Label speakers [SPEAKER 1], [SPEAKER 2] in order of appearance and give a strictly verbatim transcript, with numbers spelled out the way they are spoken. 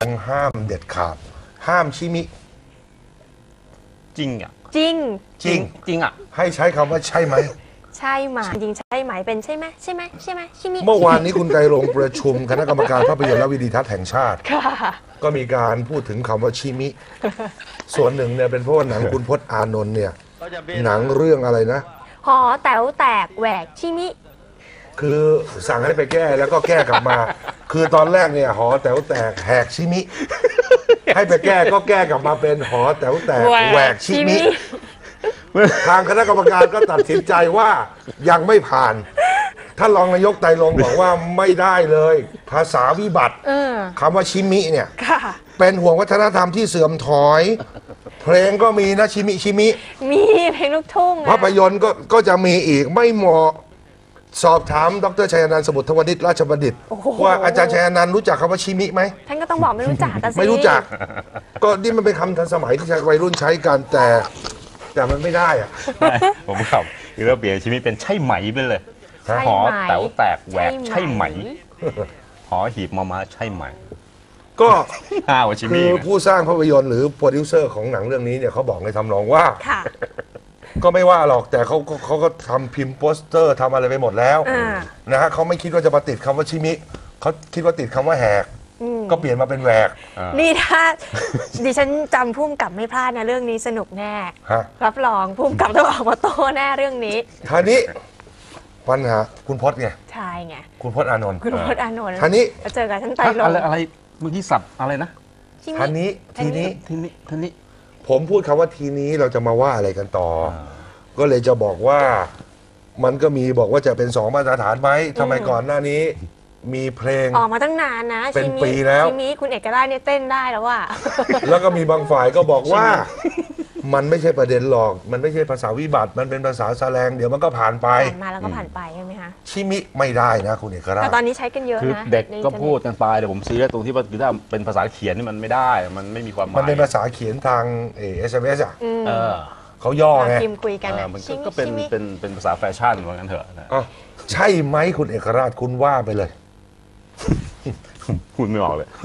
[SPEAKER 1] ห้ามเด็ดขาดห้ามชิมิ
[SPEAKER 2] จริงอ่ะ
[SPEAKER 3] จริง
[SPEAKER 1] จริง
[SPEAKER 2] จริงอ่ะ
[SPEAKER 1] ให้ใช้คำว่าใช่ไหม
[SPEAKER 3] ใช่ไหมจริงใช่ไหมเป็นใช่ไหมใช่ไหมใช่ไหมชิมิ
[SPEAKER 1] เมื่อวานนี้คุณไตรรงค์ประชุมคณะกรรมการภาพยนตร์และวิดีทัศน์แห่งชาติก็มีการพูดถึงคำว่าชิมิส่วนหนึ่งเนี่ยเป็นเพราะว่าหนังคุณพจน์อานนท์เนี่ยหนังเรื่องอะไรนะ
[SPEAKER 3] หอแต๋วแตกแหวกชิมิ
[SPEAKER 1] คือสั่งให้ไปแก้แล้วก็แก้กลับมาคือตอนแรกเนี่ยหอแต๋วแตกแหกชิมิให้ไปแก้ก็แก้กลับมาเป็นหอแต๋วแตกแหวกชิมิทางคณะกรรมการก็ตัดสินใจว่ายังไม่ผ่านท่านรองนายกไตรรงค์บอกว่าไม่ได้เลยภาษาวิบัติคำว่าชิมิเนี่ยเป็นห่วงวัฒนธรรมที่เสื่อมถอยเพลงก็มีนะชิมิชิมิ
[SPEAKER 3] มีเพลงลูกทุ่ง
[SPEAKER 1] ภาพยนตร์ก็ก็จะมีอีกไม่เหมาะสอบถามดรชัยนันท์สมุทรวณิชราชบัณฑิตว่าอาจารย์ชัยนันท์รู้จักคำว่าชิมิไหม
[SPEAKER 3] ท่านก็ต้องบอกไม่รู้จัก
[SPEAKER 1] ไม่รู้จักก็นี่มันเป็นคำทันสมัยที่วัยรุ่นใช้กันแต่แต่มันไม่ได้อะ
[SPEAKER 2] ผมขับคือเราเปลี่ยนชิมิเป็นใช่ไหมไปเลยหอแต๋วแตกแหวกใช่ไหมหอหีบมามาใช่ไหม
[SPEAKER 1] ก็
[SPEAKER 2] คือ
[SPEAKER 1] ผู้สร้างภาพยนตร์หรือโปรดิวเซอร์ของหนังเรื่องนี้เนี่ยเขาบอกในทำนองว่าก็ไม่ว่าหรอกแต่เขาเขาก็ทำพิมพ์โปสเตอร์ทำอะไรไปหมดแล้วนะฮะเขาไม่คิดว่าจะมาติดคำว่าชิมิเขาคิดว่าติดคำว่าแหกก็เปลี่ยนมาเป็นแหวก
[SPEAKER 3] นี่ถ้าดิฉันจำพุ่มกับไม่พลาดนะเรื่องนี้สนุกแน่รับรองพุ่มกับต้องออกมาโต้แน่เรื่องนี้
[SPEAKER 1] ท่านี้ปัญหาคุณพจน์ไง
[SPEAKER 3] ใช่ไง
[SPEAKER 1] คุณพจน์อานนท์
[SPEAKER 3] คุณพจน์อานนท์
[SPEAKER 1] ท่านี้
[SPEAKER 3] เจอกับท่านไตรรงค์
[SPEAKER 2] อะไรอะไรเมื่อกี้สับอะไรนะ
[SPEAKER 1] ท่านี้ทีนี้
[SPEAKER 2] ทีนี้ทีนี้
[SPEAKER 1] ผมพูดคำว่าทีนี้เราจะมาว่าอะไรกันต่อก็เลยจะบอกว่ามันก็มีบอกว่าจะเป็นสองมาตรฐานไหมทำไมก่อนหน้านี้มีเพลง
[SPEAKER 3] ออกมาตั้งนานนะ
[SPEAKER 1] เป็นปีแล้ว
[SPEAKER 3] ชิมิคุณเอกราชเนี่ยเต้นได้แล้วว่า
[SPEAKER 1] แล้วก็มีบางฝ่ายก็บอกว่ามันไม่ใช่ประเด็นหรอกมันไม่ใช่ภาษาวิบัติมันเป็นภาษาแสลงเดี๋ยวมันก็ผ่านไป
[SPEAKER 3] ผ่านมาแล้วก็ผ่านไปใช่ไหมคะ
[SPEAKER 1] ชิมิไม่ได้นะคุณเอกราช
[SPEAKER 3] แต่ตอนนี้ใช้กันเยอะนะ
[SPEAKER 2] คือเด็กก็พูดกันไปแต่ผมซีเรียสตรงที่ว่าถ้าเป็นภาษาเขียนนี่มันไม่ได้มันไม่มีความหมาย
[SPEAKER 1] มันเป็นภาษาเขียนทางเอสเอ็มเอสอ่ะเขาย่อไง
[SPEAKER 3] พิมพ์คุยกัน
[SPEAKER 2] มันก็เป็นเป็นเป็นภาษาแฟชั่นว่างั้นเถอะนะ
[SPEAKER 1] ใช่ไหมคุณเอกราชคุณว่าไปเลย
[SPEAKER 2] พูดไม่ออกเลย